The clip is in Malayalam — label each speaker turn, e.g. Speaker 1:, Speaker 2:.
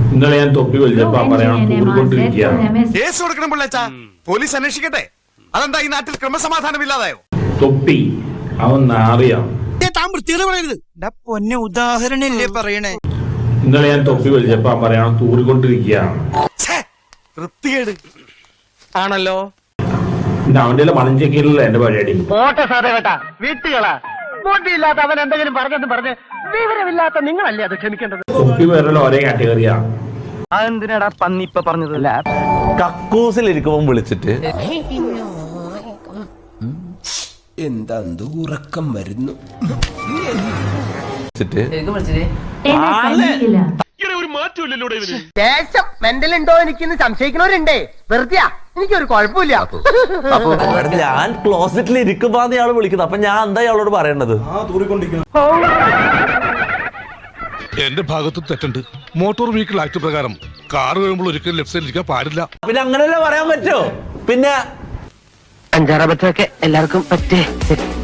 Speaker 1: ഇന്നലെ ഞാൻ തൊപ്പി വലിച്ചപ്പോ പറയണം തൂറിക്കൊണ്ടിരിക്കുകയാണ്.
Speaker 2: കേസ് കൊടുക്കണം പിള്ളേച്ചാ, പോലീസ് അന്വേഷിക്കട്ടെ. അതെന്താ ഈ നാട്ടിൽ ക്രമസമാധാനം ഇല്ലാതായോ?
Speaker 1: തൊപ്പി അവൻ നാറിയാ.
Speaker 3: പൊന്നെ ഉദാഹരണല്ലേ പറയണേ.
Speaker 1: ഇന്നലെ ഞാൻ തൊപ്പി വലിച്ചപ്പോ പറയണം തൂറിക്കൊണ്ടിരിക്കുകയാണ്.
Speaker 2: വൃത്തികേട്
Speaker 4: ആണല്ലോ.
Speaker 1: അവന്റെ മണം ചെക്കിയില്ല എന്റെ പരിപാടി.
Speaker 5: പോട്ടെ സാറേ കേട്ടാ, വീട്ടുകളാ ബോട്ടിയില്ലാത്ത അവൻ എന്തെങ്കിലും പറഞ്ഞെന്ന് പറഞ്ഞ് വിവരമില്ലാത്ത നിങ്ങളല്ലേ അത് ക്ഷമിക്കേണ്ടത്.
Speaker 1: തൊപ്പി വേറെ ഒരേ കാറ്റഗറിയാ.
Speaker 5: അതെന്തിനാടാ പന്നി ഇപ്പൊ പറഞ്ഞതല്ല.
Speaker 6: കക്കൂസിലിരിക്കുമ്പോ വിളിച്ചിട്ട്
Speaker 7: എന്താ ഉറക്കം വരുന്നു
Speaker 5: ദേശം മെന്റൽ ഉണ്ടോ എനിക്കിന്ന് സംശയിക്കുന്നവരുണ്ടേ. വെറുതെയാ, എനിക്കൊരു കുഴപ്പമില്ല.
Speaker 6: ഞാൻ ക്ലോസറ്റിൽ ഇരിക്കുമ്പോ ഇയാള് വിളിക്കുന്നത്. അപ്പൊ ഞാൻ എന്താ ഇയാളോട് പറയേണ്ടത്?
Speaker 8: എന്റെ ഭാഗത്ത് തെറ്റുണ്ട്. മോട്ടോർ വെഹിക്കിൾ ആക്ട് പ്രകാരം കാർ വരുമ്പോൾ ഒരിക്കലും ലെഫ്റ്റ് സൈഡിൽ ഇരിക്കാൻ പാടില്ല.
Speaker 6: പിന്നെ അങ്ങനെയല്ലേ പറയാൻ പറ്റോ? പിന്നെ
Speaker 5: 5-6 എല്ലാവർക്കും പറ്റേ.